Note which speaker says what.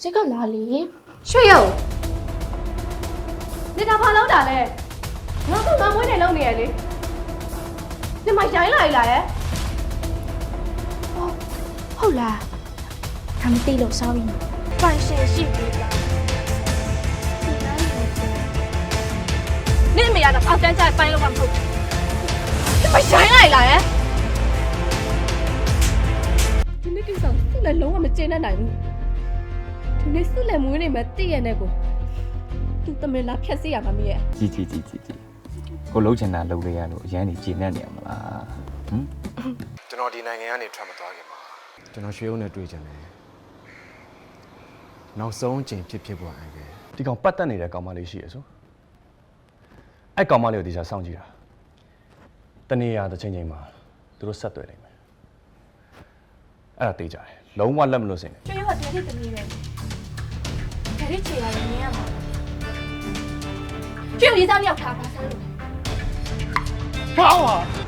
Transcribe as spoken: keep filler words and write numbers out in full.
Speaker 1: 这个哪里？
Speaker 2: ရွှေရုံ你ဒါဘာလုပ်တာလဲငါကငါမွေးနေလုပ်နေရလေ你မရိုင်းလာလာရဲ့
Speaker 1: 哦，后来他们地楼烧影，断线性别了。你哪里来的？
Speaker 2: 你အမေကတော့အောက်တန်းကျပိုင်းလို့မှမဟုတ်ဘူး你မရိုင်းလာလာရဲ့ဒီနေ့ကိစ္စသူ့လည်းလုံးဝမကျေနပ်နိုင်ဘူးဒီနေ့သူ့လည်းမွေးနေမှတည့်ရတဲ့ကိုသူတမင်လာဖြတ်စီရမှာမရဲ့
Speaker 3: ကြည်ကြည်ကြည်ကြည်ကြည်ကိုလုံးချင်တာလုံးလေးရလို့အရန်ကြီးကျဉ်နေနေရမလားဟမ်
Speaker 4: ကျွန်တော်ဒီနိုင်ငံကနေထွက်မသွားခင်မှာကျွန်တော်ရွှေဦးနဲ့တွေ့ကြတယ်နောက်ဆုံးအချိန်ဖြစ်ဖြစ်ပေါ်အိုင်ပဲ
Speaker 5: ဒီကောင်ပတ်သက်နေတဲ့ကောင်မလေးရှိရဆိုအဲ့ကောင်မလေးကိုဒီစားစောင့်ကြည့်တာတနေ့ရတစ်ချိန်ချိန်မှာသူတို့ဆက်တွေ့နိုင်မယ်အဲ့ဒါသိကြတယ်လုံးဝလက်မလွတ်စင်နဲ့
Speaker 1: 这一会儿别的怎么人？别的起来人呀嘛？只有一张尿卡发生了。
Speaker 4: ကောင်းပါ